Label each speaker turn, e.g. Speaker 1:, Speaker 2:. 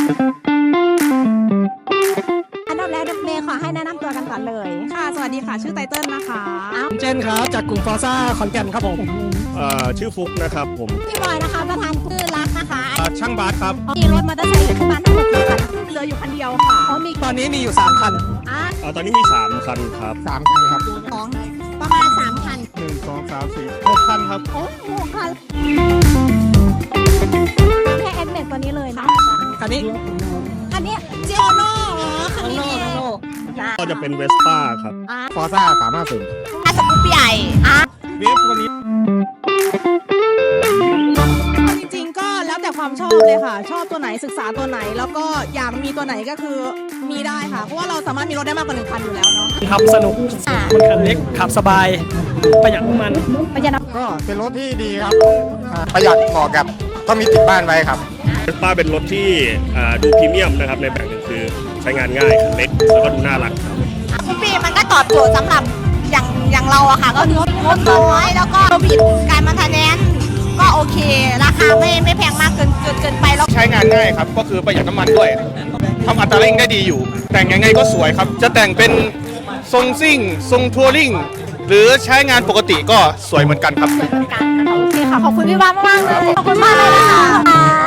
Speaker 1: อันดับแรกเมย์ขอให้แนะนำตัวกันก่อนเลย
Speaker 2: ค่ะสวัสดีค่ะชื่อไตเติ้ลนะคะ
Speaker 3: เจนครับจากกลุ่มฟอร์ซ่าขอนแก่นครับผม
Speaker 4: ชื่อฟุกนะครับผม
Speaker 1: พี่บอยนะคะประธานชื่อรักนะคะ
Speaker 3: ช่างบาสครับ
Speaker 1: มีรถมอเตอร์ไซค์อยู่ที่บ้านทั้งหมดกี่คัน
Speaker 2: เหลืออยู่คันเดียวค่ะ
Speaker 3: ตอนนี้มีอยู่3คัน
Speaker 4: ตอนนี้มี3คันครับ
Speaker 3: 3คันครับ
Speaker 1: ของประมาณ3คัน
Speaker 3: 1 2 3 4 6คันครับ
Speaker 1: โอ้โหคันแค่แอดเมทตัวนี้เลยนะ
Speaker 3: คันนี้
Speaker 1: เจโอโน่คันนี้
Speaker 4: ก็จะเป็นเวสป้าครับ
Speaker 3: ฟอร์ซ่า350
Speaker 1: สกูปใหญ่
Speaker 3: เวฟวันนี้
Speaker 2: จริงๆก็แล้วแต่ความชอบเลยค่ะชอบตัวไหนศึกษาตัวไหนแล้วก็อยากมีตัวไหนก็คือมีได้ค่ะเพราะว่าเราสามารถมีรถได้มากกว่า1คันอยู่แล้วเนาะ
Speaker 3: ขับสนุกมันคันเล็กขับสบายประหยัดน้ำมันก็เป็นรถที่ดีครับประหยัดเหมาะกับก็มีติดบ้านไว้ครับ
Speaker 4: เวสป้าเป็นรถที่ดูพรีเมียมนะครับในแบบหนึ่งคือใช้งานง่ายคันเล็กแล้วก็ดูน่ารักครับ
Speaker 1: ปีมันก็ตอบโจทย์สำหรับอย่างเราอะค่ะก็งบน้อยแล้วก็บิดการมันทะแนนก็โอเคราคาไม่แพงมากเกินไปแล้ว
Speaker 5: ใช้งานง่ายครับก็คือประหยัดน้ำมันด้วยทำอัตราเร่งได้ดีอยู่แต่งยังไงก็สวยครับจะแต่งเป็นทรงซิ่งทรงทัวริงหรือใช้งานปกติก็สวยเหมือนกันครับ
Speaker 1: โอเคค่ะขอบคุณพี่บ้านมากเลยขอบคุณมากเลยนะคะ